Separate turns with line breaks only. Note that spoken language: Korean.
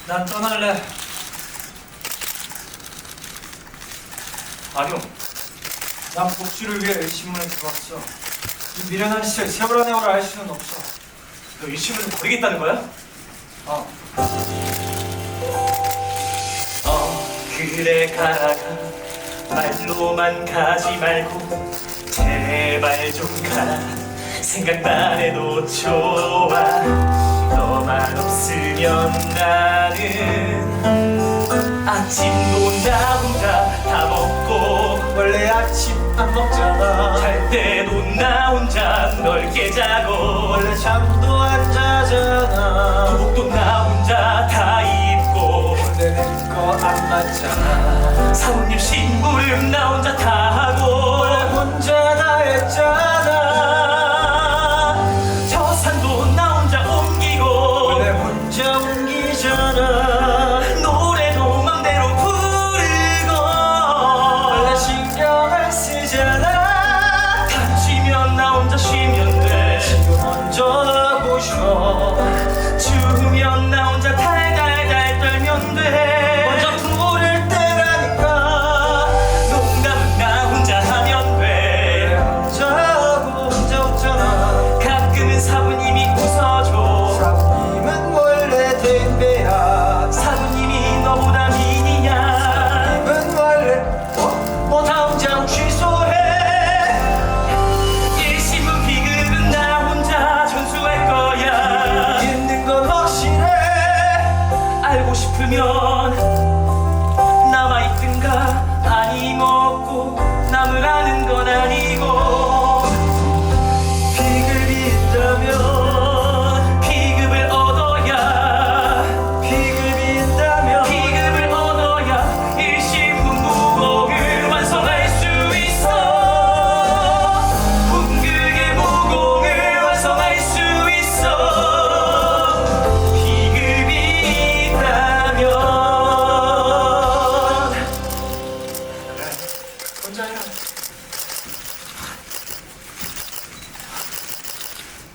난 떠날래. 아니요. 난 복수를 위해 이 신문에 들어왔어. 이 미련한 시절 세월아 내월아 할 수는 없어.
너 이 신문을 버리겠다는 거야? 그래 가라 말로만 가지 말고 제발 좀 가라. 생각만 해도 좋아. 너만 없으면 나는 아침도 나 혼자 다 먹고
원래 아침 안 먹잖아.
잘 때도 나 혼자 넓게 자고
원래 잠도 안 자잖아.
도복도 나 혼자 다 입고
내는 거 안 맞잖아.
사모님 심부름 나 혼자 다 하고
원래 혼자 다 했잖아.
저 산도 나 혼자 옮기고
원래 혼자 옮기잖아.
노래도 맘대로 부르고
원래 신경을 쓰잖아.
다치면 나 혼자 쉬면 돼.
지금 먼저 하고 쉬어.
추우면 나 혼자 달달달 떨면 돼.
먼저 부를 때라니까.
농담은 나 혼자 하면 돼.
혼자 하고 혼자 웃잖아.
가끔은 사부님이 웃어줘.
사부님은 원래 댐배야.
사부님이 너보다 미니냐.
사부님은 원래 뭐 당장 취소해.
일시문 비급은 나 혼자 전수할 거야.
있는 건 확실해.
알고 싶으면